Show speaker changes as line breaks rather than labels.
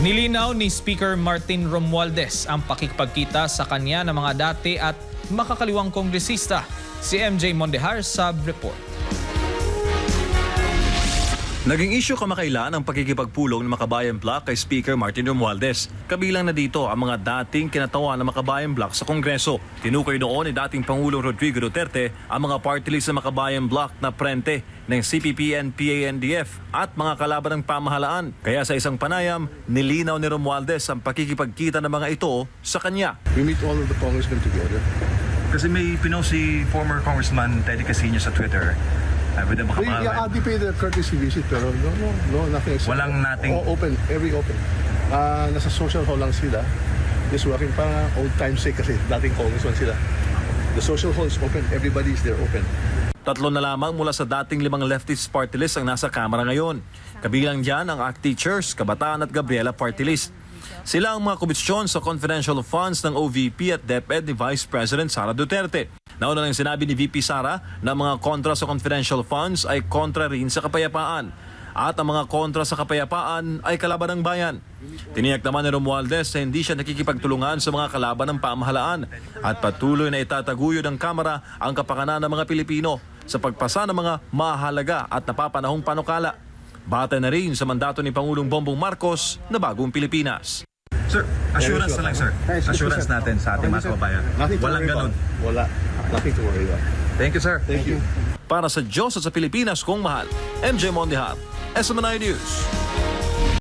Nilinaw ni Speaker Martin Romualdez ang pakikipagkita sa kanya ng mga dati at makakaliwang kongresista. Si MJ Mondehar sa report.
Naging issue kamakailan ang pakikipagpulong ng Makabayan Bloc kay Speaker Martin Romualdez. Kabilang na dito ang mga dating kinatawan ng Makabayan Bloc sa Kongreso. Tinukoy noon ni dating Pangulong Rodrigo Duterte ang mga party list ng Makabayan Bloc na prente ng CPP and PANDF at mga kalaban ng pamahalaan. Kaya sa isang panayam, nilinaw ni Romualdez ang pakikipagkita ng mga ito sa kanya.
We meet all of the congressmen together.
Kasi may pinost si former Congressman Teddy Casino sa Twitter. With the
They pay the courtesy visit pero no, nothing.
Walang nating...
Open, every open. Nasa social hall lang sila. Just working para old time's sake kasi dating congressman sila. The social hall is open, everybody is there open.
Tatlo na lamang mula sa dating 5 leftist party list ang nasa Kamara ngayon. Kabilang dyan ang ACT Teachers, Kabataan at Gabriela party list. Sila ang mga komisyon sa confidential funds ng OVP at DepEd ni Vice President Sara Duterte. Nauna nang sinabi ni VP Sara na mga kontra sa confidential funds ay kontra rin sa kapayapaan. At ang mga kontra sa kapayapaan ay kalaban ng bayan. Tiniyak naman ni Romualdez na hindi siya nakikipagtulungan sa mga kalaban ng pamahalaan at patuloy na itataguyod ng Kamara ang kapakanan ng mga Pilipino sa pagpasa ng mga mahalaga at napapanahong panukala. Batay na rin sa mandato ni Pangulong Bongbong Marcos na bagong Pilipinas.
Sir, assurance na lang, sir. Assurance natin sa ating mga kababayan. Walang ganun.
Wala. Nothing to worry about.
Thank you, sir.
Thank you.
Para sa Diyos at sa Pilipinas kong mahal, MJ Mondehar, SMNI News.